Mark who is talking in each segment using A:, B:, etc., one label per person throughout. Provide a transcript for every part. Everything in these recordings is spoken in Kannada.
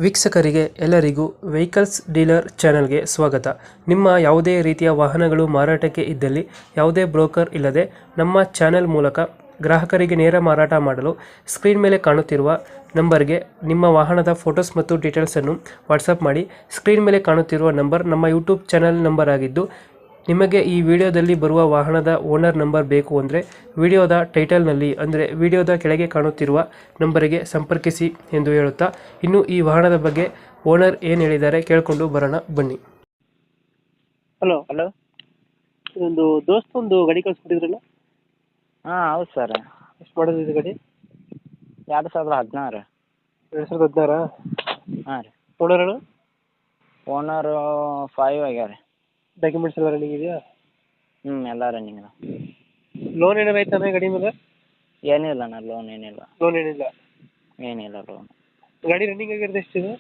A: ವೀಕ್ಷಕರಿಗೆ ಎಲ್ಲರಿಗೂ ವೆಹಿಕಲ್ಸ್ ಡೀಲರ್ ಚಾನೆಲ್ಗೆ ಸ್ವಾಗತ. ನಿಮ್ಮ ಯಾವುದೇ ರೀತಿಯ ವಾಹನಗಳು ಮಾರಾಟಕ್ಕೆ ಇದ್ದಲ್ಲಿ ಯಾವುದೇ ಬ್ರೋಕರ್ ಇಲ್ಲದೆ ನಮ್ಮ ಚಾನೆಲ್ ಮೂಲಕ ಗ್ರಾಹಕರಿಗೆ ನೇರ ಮಾರಾಟ ಮಾಡಲು ಸ್ಕ್ರೀನ್ ಮೇಲೆ ಕಾಣುತ್ತಿರುವ ನಂಬರ್ಗೆ ನಿಮ್ಮ ವಾಹನದ ಫೋಟೋಸ್ ಮತ್ತು ಡೀಟೇಲ್ಸನ್ನು ವಾಟ್ಸಪ್ ಮಾಡಿ. ಸ್ಕ್ರೀನ್ ಮೇಲೆ ಕಾಣುತ್ತಿರುವ ನಂಬರ್ ನಮ್ಮ ಯೂಟ್ಯೂಬ್ ಚಾನೆಲ್ ನಂಬರ್ ಆಗಿದ್ದು, ನಿಮಗೆ ಈ ವಿಡಿಯೋದಲ್ಲಿ ಬರುವ ವಾಹನದ ಓನರ್ ನಂಬರ್ ಬೇಕು ಅಂದರೆ ವಿಡಿಯೋದ ಟೈಟಲ್ನಲ್ಲಿ ಅಂದರೆ ವಿಡಿಯೋದ ಕೆಳಗೆ ಕಾಣುತ್ತಿರುವ ನಂಬರಿಗೆ ಸಂಪರ್ಕಿಸಿ ಎಂದು ಹೇಳುತ್ತಾ, ಇನ್ನು ಈ ವಾಹನದ ಬಗ್ಗೆ ಓನರ್ ಏನು ಹೇಳಿದ್ದಾರೆ ಕೇಳಿಕೊಂಡು ಬರೋಣ ಬನ್ನಿ. Hello,
B: hello.
A: ಒಂದು ಒಂದು ಗಾಡಿ ಕಳಿಸ್ಬಿಟ್ಟಿದ್ರಲ್ಲ,
B: ಹಾಂ ಹೌದು ಸರ್.
A: ಎಷ್ಟು ಮಾಡೋದು ಇದು ಗಾಡಿ?
B: 2016.
A: 2016?
B: ಹಾಂ ರೀ.
A: ಓನರ್
B: ಓನರು 5 ಆಗ್ಯಾವ ರೀ.
A: ಡಾಕ್ಯುಮೆಂಟ್ಸ್ ಎಲ್ಲ ರನ್ನಿಂಗ್ ಇದೆಯಾ?
B: ಎಲ್ಲ ರನ್ನಿಂಗ್ ಅದ.
A: ಲೋನ್ ಏನಾರು ಆಯ್ತಾ ಗಾಡಿ ಮೇಲೆ?
B: ಏನಿಲ್ಲ ಅಣ್ಣ, ಲೋನ್ ಏನಿಲ್ಲ.
A: ಲೋನ್ ಏನಿಲ್ಲ
B: ಲೋನ್.
A: ಗಾಡಿ ರನ್ನಿಂಗ್ ಆಗಿರೋದು ಎಷ್ಟಿದೆ?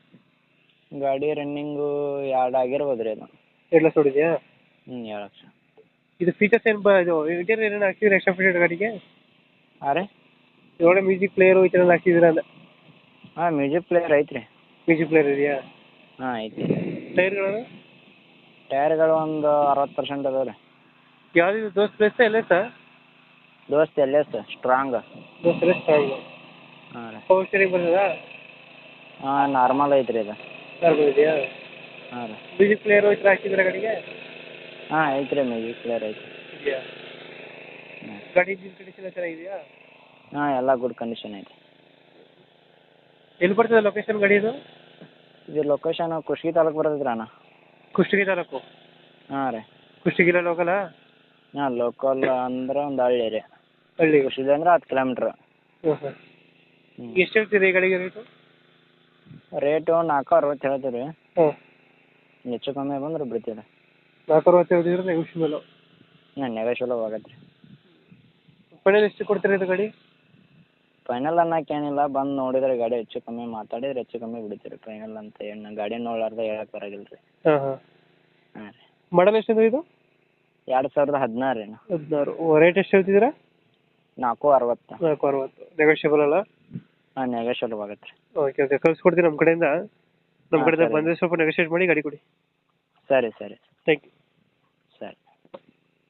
B: ಗಾಡಿ ರನ್ನಿಂಗು 2 ಆಗಿರ್ಬೋದು ರೀ ಅದು.
A: 2 ಲಕ್ಷ ಹೊಡಿದೆಯಾ?
B: 2 ಲಕ್ಷ.
A: ಇದು ಫೀಚರ್ಸ್ ಏನು ಇದು ಇಂಟೀರಿಯರ್ ಏನೇನು ಹಾಕ್ಸಿದ್ರೆ ಎಕ್ಸ್ಟ್ರಾ ಫೀಚರ್ ಗಾಡಿಗೆ?
B: ಹಾಂ ರೀ.
A: ಇವಾಗ ಮ್ಯೂಸಿಕ್ ಪ್ಲೇಯರು ಈ ಥರ ಎಲ್ಲ ಹಾಕ್ಸಿದ್ದೀರಾ ಅಂತ?
B: ಹಾಂ, ಮ್ಯೂಸಿಕ್ ಪ್ಲೇಯರ್ ಐತೆ ರೀ.
A: ಮ್ಯೂಸಿಕ್ ಪ್ಲೇಯರ್ ಇದೆಯಾ?
B: ಹಾಂ ಐತಿ.
A: ಟೈರ್ಗಳು?
B: ಟೈರ್ಗಳು ಒಂದು 60% ಅದಾವೆ ರೀ.
A: ಯಾವ್ದು ದೋಸ್ತ್ ಪ್ಲೇಸ್ ಎಲ್ಲ ಸರ್?
B: ದೋಸ್ತ್ ಎಲ್ಲೇ ಸರ್, ಸ್ಟ್ರಾಂಗ್.
A: ದೋಸ್ತ್ ಎಲ್ಲ ಸ್ಟ್ರಾಂಗ್.
B: ಹಾಂ ರೀ.
A: ಪವರ್ ಸ್ಟೀರಿಂಗ್ ಬರ್ತದಾ?
B: ಹಾಂ, ನಾರ್ಮಲ್ ಐತೆ ರೀ ಅದು.
A: ನಾರ್ಮಲ್ ಇದೆಯಾ?
B: ಹಾಂ ರೀ.
A: ಮ್ಯೂಸಿಕ್ ಪ್ಲೇಯರು ಈ ಥರ ಹಾಕ್ಸಿದ್ದೀರಾ ಗಾಡಿಗೆ?
B: ಹಾಂ ಐತೆ ರೀ, ಮ್ಯೂಸಿಕ್ ಪ್ಲೇಯರ್ ಐತೆ.
A: ಇದೆಯಾ?
B: ಹಾಂ.
A: ಗಾಡಿ ಇಂಜಿನ್ ಕಂಡೀಷನ್ ಎಲ್ಲ ಚೆನ್ನಾಗಿದೆಯಾ?
B: ಹಾಂ, ಎಲ್ಲ ಗುಡ್ ಕಂಡೀಷನ್ ಐತೆ.
A: ಎಲ್ಲಿ ಬರ್ತದೆ ಲೊಕೇಶನ್ ಗಾಡಿ ಇದು?
B: ಇದು ಲೊಕೇಶನ್ ಕುಷ್ಟಗಿ ತಾಲೂಕು ಬರ್ತೈತೆ ರೀ ಅಣ್ಣ.
A: ಕುಷ್ಟಗಿ ತಾಲೂಕು?
B: ಹಾಂ ರೀ.
A: ಕುಷ್ಟಗಿಲ್ಲ ಲೋಕಲಾ?
B: ಹಾಂ, ಲೋಕಲ್ ಅಂದ್ರೆ ಒಂದು ಹಳ್ಳಿ ರೀ.
A: ಹಳ್ಳಿ.
B: ಕುಷ್ಟಗಿ ಅಂದ್ರೆ 10 ಕಿಲೋಮೀಟ್ರ್.
A: ಹಾಂ ಹಾಂ. ಎಷ್ಟು ಹೇಳ್ತೀರಿ ಈ ಗಾಡಿಗೆ ರೇಟು?
B: ರೇಟು 460 ಹೇಳ್ತೀವಿ ರೀ.
A: ಹಾಂ.
B: ಹೆಚ್ಚು ಕಮ್ಮಿ ಬಂದ್ರೆ ಬಿಡ್ತೀವಿ ರೀ.
A: 460 ಹೇಳ್ತಿದ್ರೆ ನೆಗೋಷಿಯಬಲ್?
B: ಹಾಂ, ನೆಗೋಷಿಯಬಲ್ ಆಗತ್ತೆ ರೀ.
A: ಫೈನಲ್ ಎಷ್ಟು ಕೊಡ್ತೀರಾ ಇದು ಗಾಡಿ?
B: ಫೈನಲ್ ಅನ್ನೋಕೆ ಏನಿಲ್ಲ, ಬಂದು ನೋಡಿದ್ರೆ ಗಾಡಿ ಹೆಚ್ಚು ಕಮ್ಮಿ ಮಾತಾಡಿದ್ರೆ ಹೆಚ್ಚು ಕಮ್ಮಿ ಬಿಡ್ತೀವಿ ರೀ. ಫೈನಲ್ ಅಂತ ಏನು ಗಾಡಿ ನೋಡ್ಲಾರ್ದೆ ಹೇಳಕ್ಕೆ ಬರೋಂಗಿಲ್ಲ ರೀ.
A: ಹಾಂ ಹಾಂ.
B: ಹಾಂ ರೀ.
A: ಮಾಡಲ್ ಎಷ್ಟಿದೆ ಇದು?
B: 2016 ರೀ.
A: 16. ರೇಟ್ ಎಷ್ಟು ಹೇಳ್ತಿದ್ದೀರಾ?
B: 460.
A: 460 ನೆಗೋಷಿಯಬಲ್ ಅಲ್ಲ?
B: ಹಾಂ, ನೆಗೋಷಿಯಬಲ್ ಆಗತ್ತೆ ರೀ.
A: ಓಕೆ ಓಕೆ, ಕಳ್ಸಿಕೊಡ್ತೀನಿ ನಮ್ಮ ಕಡೆಯಿಂದ. ನಮ್ಮ
B: ಹಾಂ,
A: ಕಡೆಯಿಂದ
B: ಸರಿ.
A: ಬಂದರೆ ಸ್ವಲ್ಪ ನೆಗೋಷಿಯೇಟ್ ಮಾಡಿ ಗಾಡಿ ಕೊಡಿ.
B: ಸರಿ ಸರಿ.
A: Thank you.